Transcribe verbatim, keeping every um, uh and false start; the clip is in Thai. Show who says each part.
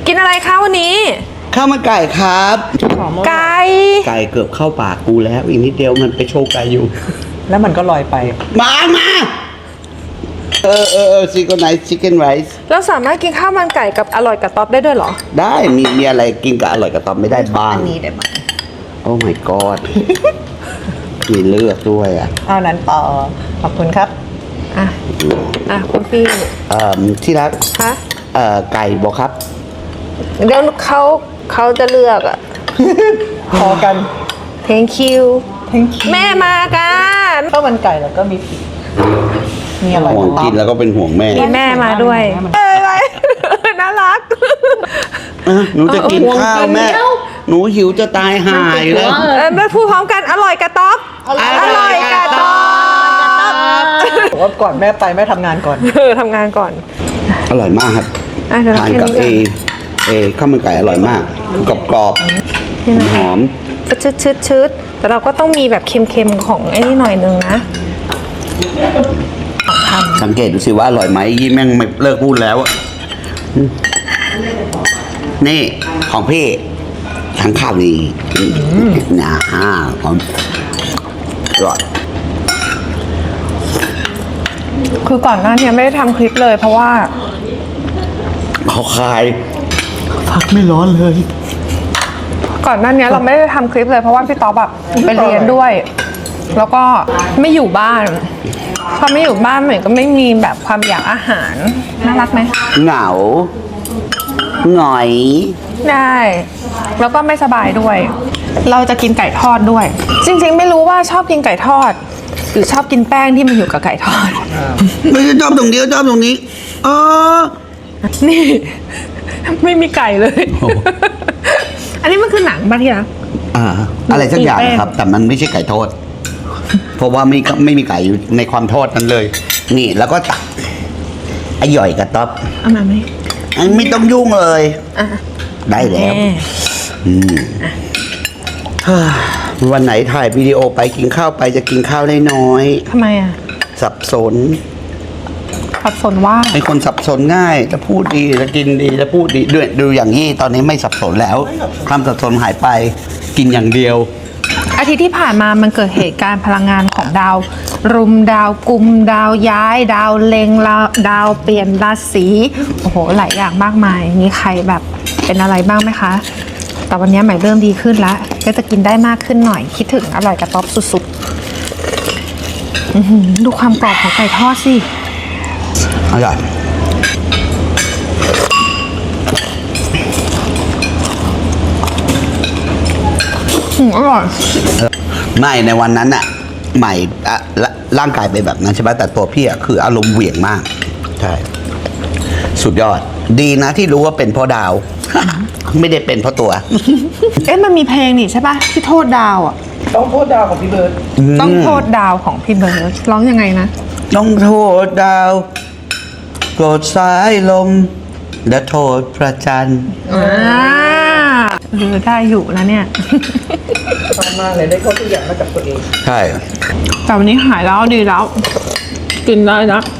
Speaker 1: กินอะไรคะวันนี้
Speaker 2: ข้าวมันไก่ครับ
Speaker 1: ไก่
Speaker 2: ไก่เกือบเข้าปากกูแล้วอีกนิดเดียวมันไปโชว์ไก่อยู่
Speaker 3: แล้วมันก็ลอยไป
Speaker 2: มามาเออเออเออซิกเกิลไนท์ชิคเก้นไรซ์
Speaker 1: เราสามารถกินข้าวมันไก่กับอร่อยกับต๊อบได้ด้วยเหรอ
Speaker 2: ได้มีมีอะไรกินกับอร่อยกับต๊อบไม่ได้บ้าง
Speaker 3: อันนี้ได้ไหม
Speaker 2: โอ้ my god มีเลือดด้วยอ่ะ
Speaker 3: เอานั้นต่อขอบคุณครับ
Speaker 1: อ่ะอ่ะคุณพี่
Speaker 2: เอ่อที่รัก
Speaker 1: คะ
Speaker 2: เอ่อไก่บอกครับ
Speaker 1: เดี๋ยวเขาเขาจะเลือกอ่ะ
Speaker 3: พอกัน
Speaker 1: thank you
Speaker 3: thank you
Speaker 1: แม่มากัน
Speaker 3: ข้าวมันไก่แล้วก็มีผิดมีอะไร
Speaker 2: ห่วงกินแล้วก็เป็นห่วงแม่
Speaker 1: มีแม่มาด้วยเอ้ยน่ารัก
Speaker 2: หนูจะกินข้าวแม่หนูหิวจะตายหายแล้ว
Speaker 1: แม่พูดพร้อมกันอร่อยกับต๊อบอร่อยกับต๊อบ
Speaker 3: บอกว่าก่อนแม่ไปแม่ทำงานก่อน
Speaker 1: เออทำงานก่อน
Speaker 2: อร่อยมากครับทานกับเอเอข้าวมันไก่อร่อยมากกรอบกรอบหอม
Speaker 1: ชืดชืดชืดแต่เราก็ต้องมีแบบเค็มๆของไอ้นี่หน่อยนึงนะ
Speaker 2: สังเกตดูสิว่าอร่อยไหมยี่แม่งไม่เลิกพูดแล้วนี่ของพี่ทั้งข้าวดีนะฮะผมอร่อย
Speaker 1: คือก่อนหน้านี้ไม่ได้ทำคลิปเลยเพราะว่า
Speaker 2: เขาคายพักไม่ร้อนเลย
Speaker 1: ก่อนหน้านี้เราไม่ได้ทำคลิปเลยเพราะว่าพี่ต๊อบแบบไปเรียนด้วยแล้วก็ไม่อยู่บ้านพอไม่อยู่บ้านเหมือนก็ไม่มีแบบความอยากอาหารน่ารักไหม
Speaker 2: เหงาหงอย
Speaker 1: ได้แล้วก็ไม่สบายด้วยเราจะกินไก่ทอดด้วยจริงๆไม่รู้ว่าชอบกินไก่ทอดหรือชอบกินแป้งที่มันอยู่กับไก่ทอด
Speaker 2: ไม่ชอบตรงนี้ชอบตรงนี้อ๋อ
Speaker 1: นี่ไม่มีไก่เลยอันนี้มันคือหนังป่ะที่รัก
Speaker 2: อ่าอะไรสักอย่างครับแต่มันไม่ใช่ไก่ทอดเพราะว่าไม่ไม่มีไก่อยู่ในความทอดนั้นเลยนี่แล้วก็ตักไอ้หย่อยกับต๊อบ
Speaker 1: เอามาไหม
Speaker 2: ไม่ต้องยุ่งเลยได้แล้ววันไหนถ่ายวิดีโอไปกินข้าวไปจะกินข้าวได้น้อย
Speaker 1: ทำไมอ่ะ
Speaker 2: สับสน
Speaker 1: สับสนว่า
Speaker 2: เป็นคนสับสนง่ายจะพูดดีจะกินดีจะพูดดีด้วยดูอย่างยี่ตอนนี้ไม่สับสนแล้วความสับสนหายไปกินอย่างเดียว
Speaker 1: อาทิตย์ที่ผ่านมามันเกิดเหตุการณ์พลังงานของดาวรุมดาวกุมดาวย้ายดาวเล็งดาวเปลี่ยนราศีโอ้โหหลายอย่างมากมายมีใครแบบเป็นอะไรบ้างไหมคะแต่วันนี้ใหม่เริ่มดีขึ้นแล้วก็จะกินได้มากขึ้นหน่อยคิดถึงอร่อยกับต๊อบสุดๆดูความกรอบของไก่ทอดสิ
Speaker 2: อร่อย
Speaker 1: อร่อย
Speaker 2: ไม่ในวันนั้นอะใหม่ร่างกายเป็นแบบนั้นใช่ไหมแต่ตัวพี่อะคืออารมณ์เหวี่ยงมากใช่สุดยอดดีนะที่รู้ว่าเป็นเพราะดาวไม่ได้เป็นเพราะตัว
Speaker 1: เอ๊ะมันมีเพลงนี่ใช่ปะที่โทษดาวอะ
Speaker 3: ต้องโทษดาวของพี่เบิร์ด
Speaker 1: ต้องโทษดาวของพี่เบิร์ดร้องยังไงนะ
Speaker 2: ต้องโทษดาวโกรธสายลมและโทษพระจันทร์
Speaker 1: อ่าเออได้อยู่นะเนี่ย
Speaker 3: ชอบมากเลยได้ข้อตัวอย่างมาจากตัวเอง
Speaker 2: ใช่
Speaker 1: แต่วันนี้หายแล้วดีแล้วกินได้แล้ว